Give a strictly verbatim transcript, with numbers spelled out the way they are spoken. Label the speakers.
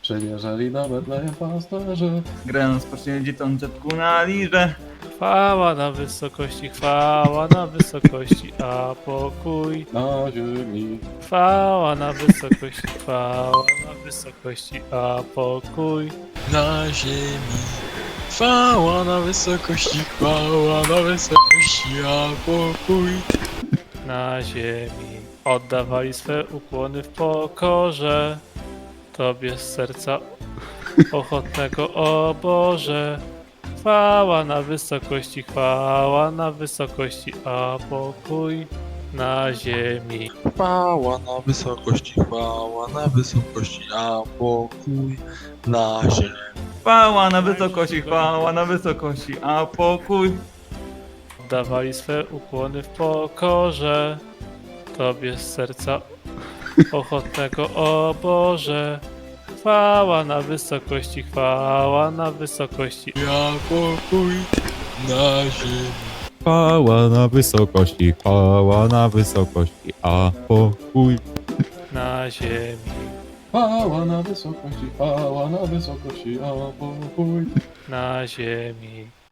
Speaker 1: Przymierzali na Betlejem pasterze.
Speaker 2: Grę spocznie dzieciątku na lirze.
Speaker 3: Chwała na wysokości, chwała na wysokości, a pokój.
Speaker 1: Na ziemi.
Speaker 3: Chwała na wysokości, chwała na wysokości, a pokój.
Speaker 4: Na ziemi. Chwała na wysokości, chwała na wysokości, a pokój.
Speaker 3: Na ziemi oddawali swe ukłony w pokorze Tobie z serca ochotnego, o Boże. Chwała na wysokości, chwała na wysokości, a pokój na ziemi.
Speaker 4: Chwała na wysokości, chwała na wysokości, a pokój na ziemi.
Speaker 2: Chwała na wysokości, chwała na wysokości, a pokój.
Speaker 3: Oddawali swe ukłony w pokorze Tobie z serca ochotnego, o Boże. Chwała na wysokości, chwała na wysokości,
Speaker 4: A pokój na ziemi.
Speaker 5: Chwała na wysokości, chwała na wysokości, a pokój.
Speaker 3: na ziemi.
Speaker 1: Chwała na wysokości, chwała na wysokości, a pokój.
Speaker 3: Na ziemi.